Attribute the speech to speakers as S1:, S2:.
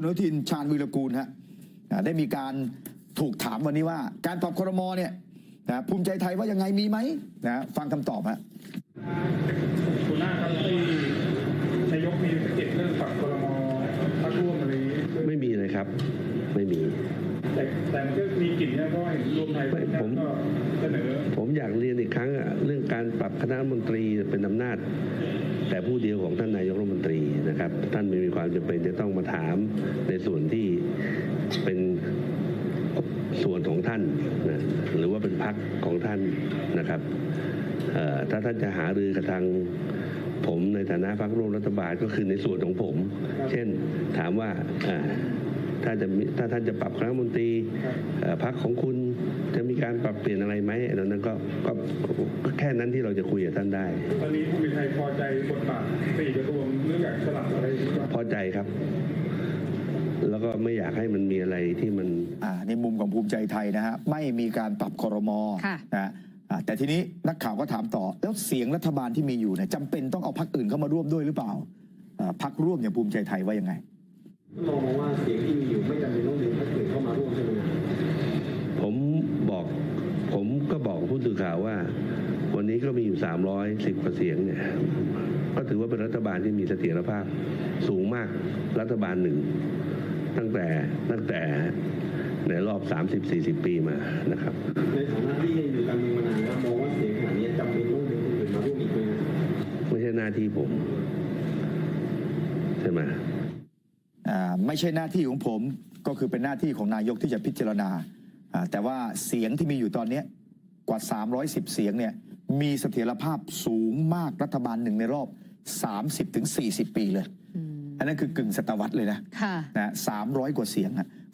S1: คุณอนุทินชาญวีรกูลฮะได้มีการถูกถามวันนี้ว่าการปรับครม.เนี่ยภูมิใจไทยว่ายังไงมีไหมฟังคำตอบฮะ
S2: คุณหน้าครับที่นายกมีสะกิดเรื่องปรับครม.พรรคร่วมอะไร
S3: ไม่มีเลยครับไม่มี
S2: แต่มันก็มีกลิ่นนะเพราะเห็นรวมไทยผมก็เสนอ
S3: ผมอยากเรียนอีกครั้งเรื่องการปรับคณะรัฐมนตรีเป็นอำนาจแต่ผู้เดียวของท่านนายกรัฐมนตรีนะครับท่านไม่มีความจำเป็นจะต้องมาถามในส่วนที่เป็นส่วนของท่านนะหรือว่าเป็นพรรคของท่านนะครับถ้าท่านจะหารือกับทางผมในฐานะพรรคร่วมรัฐบาลก็คือในส่วนของผมเช่นถามว่าถ้าท่านจะปรับคณะรัฐมนตรีพรรคของคุณจะมีการปรับเปลี่ยนอะไรไหมอันนั้นก็แค่นั้นที่เราจะคุยกับท่านได้
S2: ตอนนี้ภูมิใจไทยพอใจบทบาท4 กระทรวงเรื่องอยากสลับอะไร
S3: พอใจครับแล้วก็ไม่อยากให้มันมีอะไรที่มัน
S1: ในมุมของภูมิใจไทยนะฮะไม่มีการปรับครม.นะแต่ทีนี้นักข่าวก็ถามต่อแล้วเสียงรัฐบาลที่มีอยู่เนี่ยจำเป็นต้องเอาพรรคอื่นเข้ามาร่วมด้วยหรือเปล่าพรรคร่วมอย่างภูมิใจไทยว่ายังไง
S4: มองว่าเสียงที่มีอยู่ไม่จำเป็นต้องดึงพรรคอื่นเข้ามาร่วมใช่ไหม
S3: ผมก็บอกผู้สื่อข่าวว่าวันนี้ก็มีอยู่310 กว่าเสียงเนี่ยก็ถือว่าเป็นรัฐบาลที่มีเสถียรภาพสูงมากรัฐบาลหนึ่งตั้งแต่ในรอบ30-40 ปีมานะครับ
S4: ในฐานะที่อยู่การเมืองมานานแล้วมองว่าเสียงขนาดนี้จำเป็นต้องดึงคนอื่นมาร่วมอีกไหม
S3: ไม่ใช่หน้าที่ผมใช่ไหม
S1: ไม่ใช่หน้าที่ของผมก็คือเป็นหน้าที่ของนายกที่จะพิจารณาแต่ว่าเสียงที่มีอยู่ตอนนี้กว่า310 เสียงเนี่ยมีเสถียรภาพสูงมากรัฐบาลหนึ่งในรอบ30-40 ปีเลยอันนั้นคือกึ่งศตวรรษเลยนะ300 กว่าเสียง